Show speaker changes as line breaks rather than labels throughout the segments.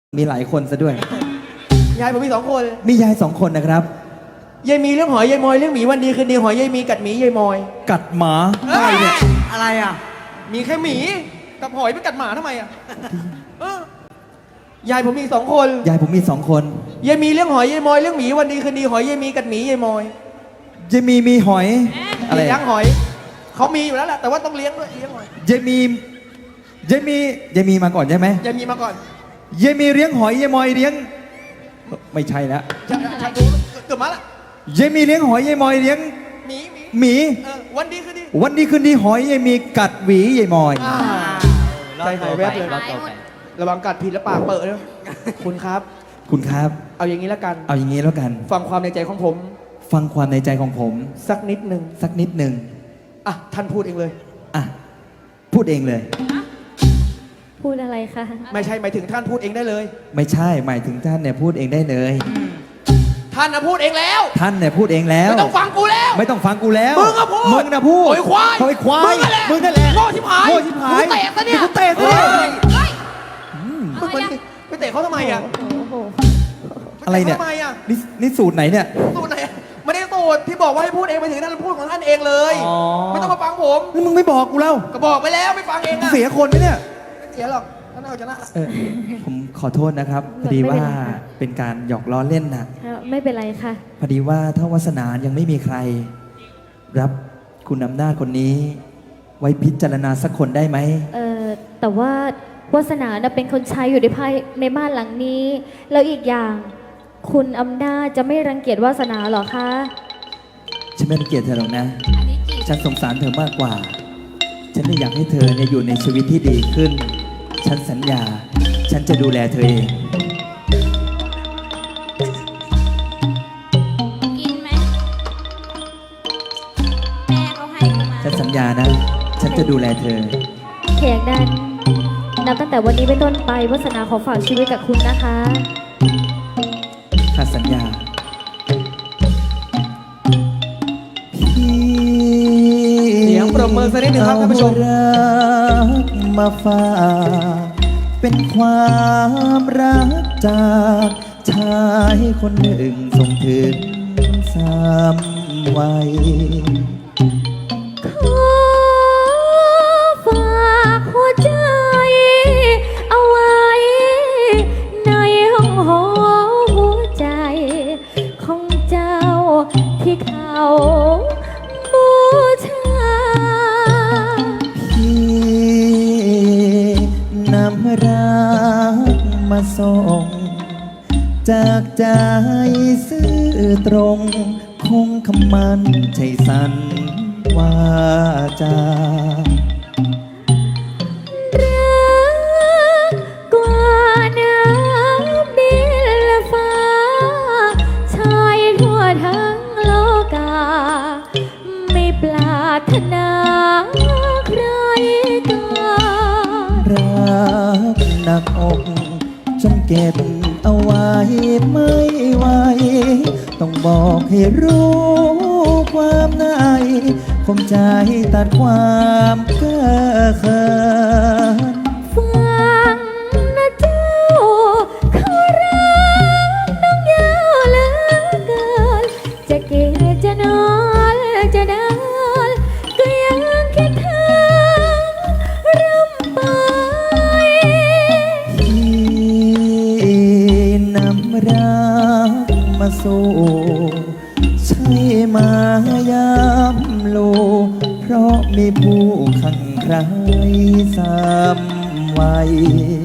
มีหลายคนซะด้วย
ยายผมมี2 คน
มียาย2 คนนะครับ
ยายมีเรื่องหอยยายมอยเรื่องหมีวันดีคืนดีหอยยายมีกัดหมียายมอย
กัดหมาอะไรเนี่ย
อะไรอ่ะมีแค่หมีกับหอยไปกัดหมาทำไมอ่ะยายผมมี2 คน
ยายผมมี2 คน
ยายมีเรื่องหอยยายมอยเรื่องหมีวันดีคืนดีหอยยายมีกัดหมียายมอย
ยายมีหอยอะไร
เลี้ยงหอยเขามีอยู่แล้วแหละแต่ว่าต้องเลี้ยงด้วยเลี้ยงหอย
ยายมีมาก่อนใช่ไหม
ยายมีมาก่อน
ยายมีเลี้ยงหอยยายมอยเลี้ยงไม่ใช่แล้ว
ฉันดูเกือบมาละ
ยายมีเลี้ยงหอยยายมอยเลี้ยง
หมี
หมี
วันดีคืนดี
วันดีคืนดีหอยยายมีกัดหวียายมอย
ใจหายแวบเลยระวังกัดผิดแล้วปากเปิดเลยคุณครับ
คุณครับ
เอาอย่างนี้แล้วกัน
เอาอย่างนี้แล้วกัน
ฟังความในใจของผม
ฟังความในใจของผม
สักนิดหนึ่ง
สักนิดหนึ่ง
อ่ะท่านพูดเองเลย
อ่ะพูดเองเลย
พูดอะไรคะ
ไม่ใช่หมายถึงท่านพูดเองได้เลย
ไม่ใช่หมายถึงท่านเนี่ยพูดเองได้เลย
ท่านนะพูดเองแล้ว
ท่านเนี่ยพูดเองแล้ว
ไม่ต้องฟังกูแล้ว
ไม่ต้องฟังกูแล้ว
มึงอะพูด
มึงนะพูด
โอ้ยควาย
โอ้ยควาย
มึงนั่นแหละ
มึงนั่นแหละ
โง่ชิบหาย
โง่ชิบหาย
กูเตะซะเนี่ย
กูเตะซะ
เฮ้
เนี่ย
ยมึงไปเตะเขาทำไมอ่ะ
โอ้โห
อะไรเนี่ย
ปตะขาทำไมอ่ะ
นี่สูตรไหนเนี่ย
สูตรไหนอะไม่ได้สูตรที่บอกว่าให้พูดเองไปถึงท่านพูดของท่านเองเลย
อ๋อ
ไม่ต้องมาฟังผม
แล้วมึงไม่บอกกูแล้ว
ก็บอกไปแล้วไม่ฟังเองอ่ะ
เสียคนไหมเนี่ย
ไม่เสียหรอกท่านเอาชนะ
ผมขอโทษนะครับพอดีว่าเป็นการหยอกล้อเล่นนะ
ไม่เป็นไรค่ะ
พอดีว่าถ้าวาสนายังไม่มีใคร รับคุณอำนาจคนนี้ ไว้พิจารณาสักคนได้ไหม
แต่ว่าวาสนาน่ะเป็นคนใช้อยู่ในบ้านหลังนี้ แล้วอีกอย่างคุณอำนาจจะไม่รังเกียจวาสนาหรอคะ
ฉันไม่รังเกียจเธอหรอกนะ ฉันสงสารเธอมากกว่า ฉันไม่อยากให้เธอเนี่ยอยู่ในชีวิตที่ดีขึ้น ฉันสัญญา ฉันจะดูแลเธอเอง
กินไหมแม่เขาให้กูมา
ฉันสัญญานะ ฉันจะดูแลเธอ
เพียงนั้นนับตั้งแต่วันนี้เป็นต้นไปวาสนาขอฝากชีวิตกับคุณนะคะ
ข้าสัญญา
เสียงปรบมือสักนิดหนึ่งครับท่านผู้ชม
เอารักมาฝากเป็นความรักจากชายคนหนึ่งส่งถึง3 วัย
ขอฝากหัวใจเอาไว้ในห้องหอหัวใจของเจ้าที่เขาบูชา
พี่นำรักมาส่ง จากใจซื่อตรง คงคำมันใจสันว่าจา
รักกว่าน้ำดินและฟ้าชายทั่วทั้งโลกา ไม่ปรารถนาใครกา
รักหนักอกจนเก็บเอาไว้ไม่ไหวต้องบอกให้รู้ความในคมใจตัดความเก้อเขิน
ฟังนะเจ้าเขารักน้องยาวเหลือเกินจะกินจะนอนจะเดินก็ยังคิดถึงรำไป
ที่นำรักมาสู่ใช่มายามโล เพราะมีผู้ขังใคร3 วัย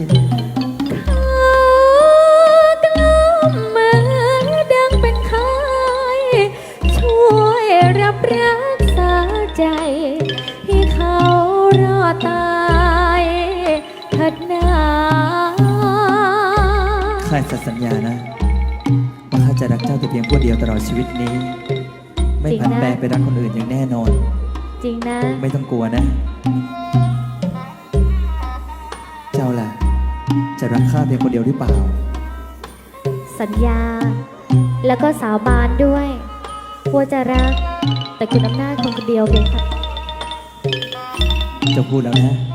กล้มมือดังเป็นไข้ช่วยรับรักษาใจที่เขารอดตายเถิดนา
ข้าจะสัญญานะว่าข้าจะรักเจ้าแต่เพียงผู้เดียวตลอดชีวิตนี้ ไม่ผันแปรไปรักคนอื่นอย่างแน่นอน
จริงนะ
ไม่ต้องกลัวนะ เจ้าล่ะ จะรักข้าเพียงคนเดียวหรือเปล่า
สัญญา แล้วก็สาบานด้วยว่าจะรัก แต่คุณอำนาจคนเดียวเพียงค่ะ
เจ้าพูดแล้วนะ